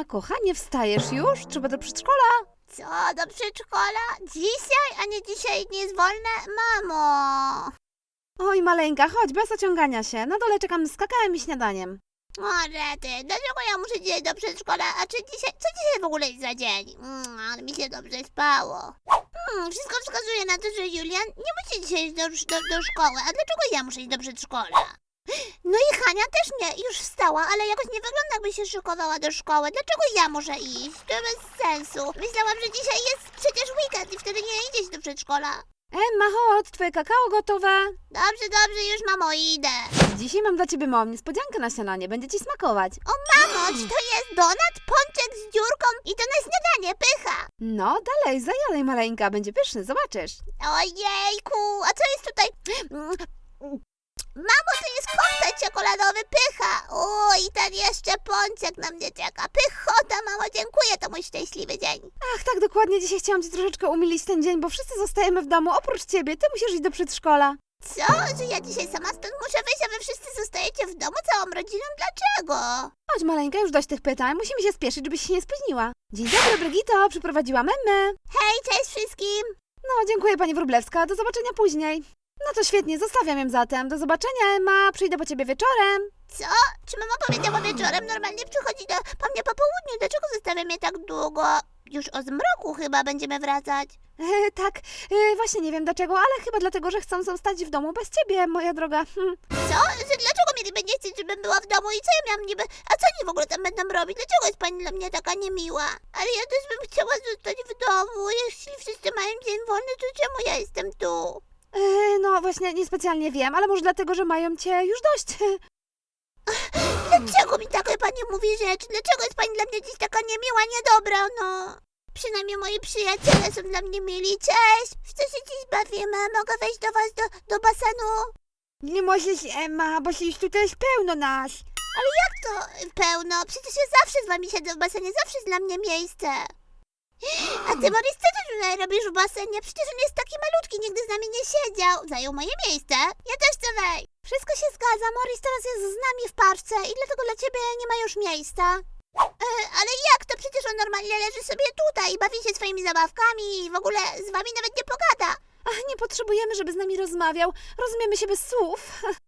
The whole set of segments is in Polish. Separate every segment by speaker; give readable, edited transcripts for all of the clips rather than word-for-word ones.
Speaker 1: kochanie, wstajesz już? Trzeba do przedszkola.
Speaker 2: Co, do przedszkola? Dzisiaj? A nie dzisiaj nie jest wolne? Mamo!
Speaker 1: Oj, maleńka, chodź, bez ociągania się. Na dole czekam z kakałem i śniadaniem.
Speaker 2: O, rety, dlaczego ja muszę dzisiaj do przedszkola? A czy dzisiaj, co dzisiaj w ogóle jest za dzień? Ale mi się dobrze spało. Wszystko wskazuje na to, że Julian nie musi dzisiaj iść do szkoły. A dlaczego ja muszę iść do przedszkola? No i Hania też nie, już wstała, ale jakoś nie wygląda, jakby się szykowała do szkoły. Dlaczego ja muszę iść? To bez sensu. Myślałam, że dzisiaj jest przecież weekend i wtedy nie idziesz do przedszkola.
Speaker 1: Emma, chodź, twoje kakao gotowe.
Speaker 2: Dobrze, już mamo, idę.
Speaker 1: Dzisiaj mam dla ciebie małą niespodziankę na śniadanie, będzie ci smakować.
Speaker 2: O mamo, czy to jest donat, pączek z dziurką i to na śniadanie, pycha.
Speaker 1: No, dalej, zajadaj maleńka, będzie pyszny, zobaczysz.
Speaker 2: Ojejku, a co jest tutaj? Mamo, to jest koktajl czekoladowy, pycha. O, i ten jeszcze pączek na mnie czeka. Pychota, mamo, dziękuję, to mój szczęśliwy dzień.
Speaker 1: Ach, tak, dokładnie, dzisiaj chciałam ci troszeczkę umilić ten dzień, bo wszyscy zostajemy w domu, oprócz ciebie, ty musisz iść do przedszkola.
Speaker 2: Co? Że ja dzisiaj sama stąd muszę wyjść, a wy wszyscy zostajecie w domu całą rodziną? Dlaczego?
Speaker 1: Chodź maleńka, już dość tych pytań, musimy się spieszyć, żebyś się nie spóźniła. Dzień dobry, Brygito, przyprowadziłam Emmę.
Speaker 2: Hej, cześć wszystkim.
Speaker 1: No, dziękuję pani Wróblewska, do zobaczenia później. No to świetnie, zostawiam ją zatem. Do zobaczenia, Emma, przyjdę po ciebie wieczorem.
Speaker 2: Co? Czy mama powiedziała wieczorem? Normalnie przychodzi po mnie po południu. Dlaczego zostawia mnie tak długo? Już o zmroku chyba będziemy wracać.
Speaker 1: Tak, właśnie nie wiem dlaczego, ale chyba dlatego, że chcą zostać w domu bez ciebie, moja droga.
Speaker 2: Co? Że dlaczego mieliby nie chcieć, żebym była w domu i co ja miałam niby? A co oni w ogóle tam będą robić? Dlaczego jest pani dla mnie taka niemiła? Ale ja też bym chciała zostać w domu. Jeśli wszyscy mają dzień wolny, to czemu ja jestem tu?
Speaker 1: No właśnie, niespecjalnie wiem, ale może dlatego, że mają cię już dość.
Speaker 2: Dlaczego mi takie pani mówi rzeczy? Dlaczego jest pani dla mnie dziś taka niemiła, niedobra, no? Przynajmniej moi przyjaciele są dla mnie mili. Cześć! W co się dziś bawimy? Mogę wejść do was do basenu?
Speaker 1: Nie możesz, Emma, bo już tutaj jest pełno nas.
Speaker 2: Ale jak to pełno? Przecież ja zawsze z wami siedzę w basenie, zawsze jest dla mnie miejsce. A ty, Maurice, co ty tutaj robisz w basenie? Przecież on jest taki malutki, nigdy z nami nie siedział. Zajął moje miejsce. Ja też chcę wejść. Wszystko się zgadza, Maurice teraz jest z nami w parce i dlatego dla ciebie nie ma już miejsca. Ale jak to? Przecież on normalnie leży sobie tutaj i bawi się swoimi zabawkami i w ogóle z wami nawet nie pogada.
Speaker 1: Ach, nie potrzebujemy, żeby z nami rozmawiał. Rozumiemy się bez słów.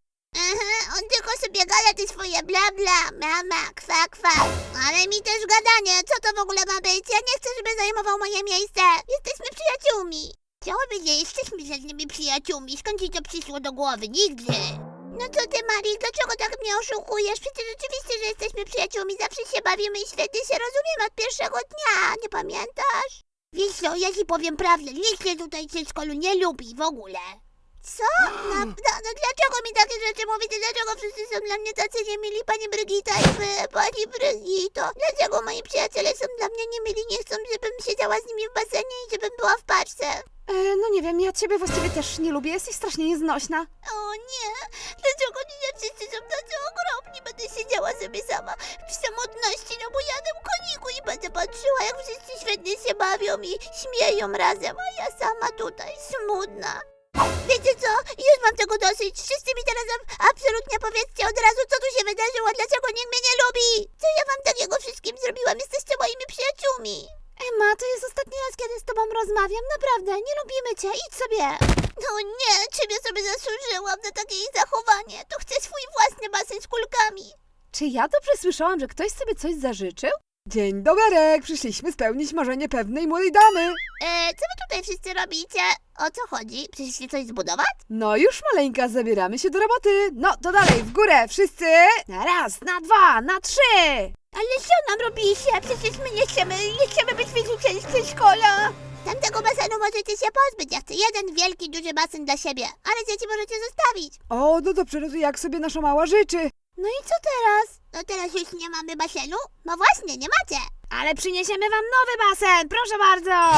Speaker 2: On tylko sobie gada te swoje bla bla, mama, kwa kwa. Ale mi też gadanie, co to w ogóle ma być? Ja nie chcę, żeby zajmował moje miejsce. Jesteśmy przyjaciółmi. Chciałaby nie jesteśmy żadnymi przyjaciółmi. Skąd ci to przyszło do głowy? Nigdy. No co ty, Marii, dlaczego tak mnie oszukujesz? Przecież rzeczywiście, że jesteśmy przyjaciółmi. Zawsze się bawimy i świetnie się rozumiemy od pierwszego dnia. Nie pamiętasz? Wiesz co, ja ci powiem prawdę. Nikt mnie tutaj w przedszkolu nie lubi w ogóle. Co? No dlaczego mi takie rzeczy mówicie? Dlaczego wszyscy są dla mnie tacy niemili? Pani Brygita i wy, pani Brygito. Dlaczego moi przyjaciele są dla mnie niemili? Nie chcą, żebym siedziała z nimi w basenie i żebym była w parce.
Speaker 1: No nie wiem, ja ciebie właściwie też nie lubię, jesteś strasznie nieznośna.
Speaker 2: O nie, dlaczego nie wszyscy są tacy okropni? Będę siedziała sobie sama w samotności na bujanym koniku i będę patrzyła, jak wszyscy świetnie się bawią i śmieją razem, a ja sama tutaj smutna. Wiecie co? Już mam tego dosyć. Wszyscy mi teraz absolutnie powiedzcie od razu, co tu się wydarzyło, dlaczego nikt mnie nie lubi. Co ja wam takiego wszystkim zrobiłam? Jesteście moimi przyjaciółmi.
Speaker 1: Emma, to jest ostatni raz, kiedy z tobą rozmawiam. Naprawdę, nie lubimy cię. Idź sobie.
Speaker 2: No nie, czym ja sobie zasłużyłam na takie ich zachowanie? To chcę swój własny basen z kulkami.
Speaker 1: Czy ja dobrze słyszałam, że ktoś sobie coś zażyczył? Dzień doberek, przyszliśmy spełnić marzenie pewnej młodej damy.
Speaker 2: Co wy tutaj wszyscy robicie? O co chodzi? Przyszliście coś zbudować?
Speaker 1: No już maleńka, zabieramy się do roboty. No to dalej, w górę, wszyscy. Na raz, na dwa, na trzy.
Speaker 2: Ale co nam robicie? Przecież my nie chcemy być wyrzuceni z przedszkola. Tamtego basenu możecie się pozbyć. Ja chcę jeden wielki, duży basen dla siebie. Ale dzieci możecie zostawić.
Speaker 1: O, no dobrze, no to jak sobie nasza mała życzy.
Speaker 2: No i co teraz? No teraz już nie mamy basenu? No właśnie, nie macie.
Speaker 1: Ale przyniesiemy wam nowy basen, proszę bardzo.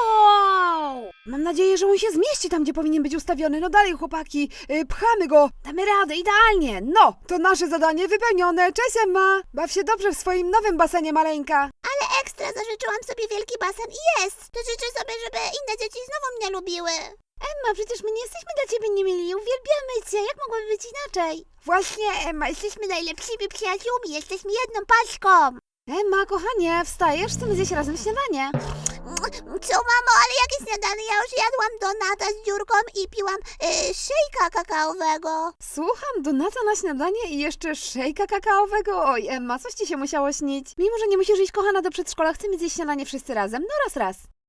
Speaker 1: Wow! Mam nadzieję, że on się zmieści tam, gdzie powinien być ustawiony. No dalej, chłopaki, pchamy go. Damy radę, idealnie. No, to nasze zadanie wypełnione. Cześć, Emma. Baw się dobrze w swoim nowym basenie, maleńka.
Speaker 2: Ale ekstra, zażyczyłam sobie wielki basen i jest. To życzę sobie, żeby inne dzieci znowu mnie lubiły.
Speaker 1: Emma, przecież my nie jesteśmy dla ciebie niemili. Uwielbiamy cię. Jak mogłoby być inaczej?
Speaker 2: Właśnie, Emma, jesteśmy najlepszymi przyjaciółmi. Jesteśmy jedną paczką.
Speaker 1: Emma, kochanie, wstajesz? Chcemy zjeść razem śniadanie.
Speaker 2: Co, mamo, ale jakie śniadanie? Ja już jadłam donata z dziurką i piłam szejka kakaowego.
Speaker 1: Słucham, donata na śniadanie i jeszcze szejka kakaowego? Oj, Emma, coś ci się musiało śnić. Mimo, że nie musisz iść, kochana, do przedszkola, chcemy zjeść śniadanie wszyscy razem. No raz.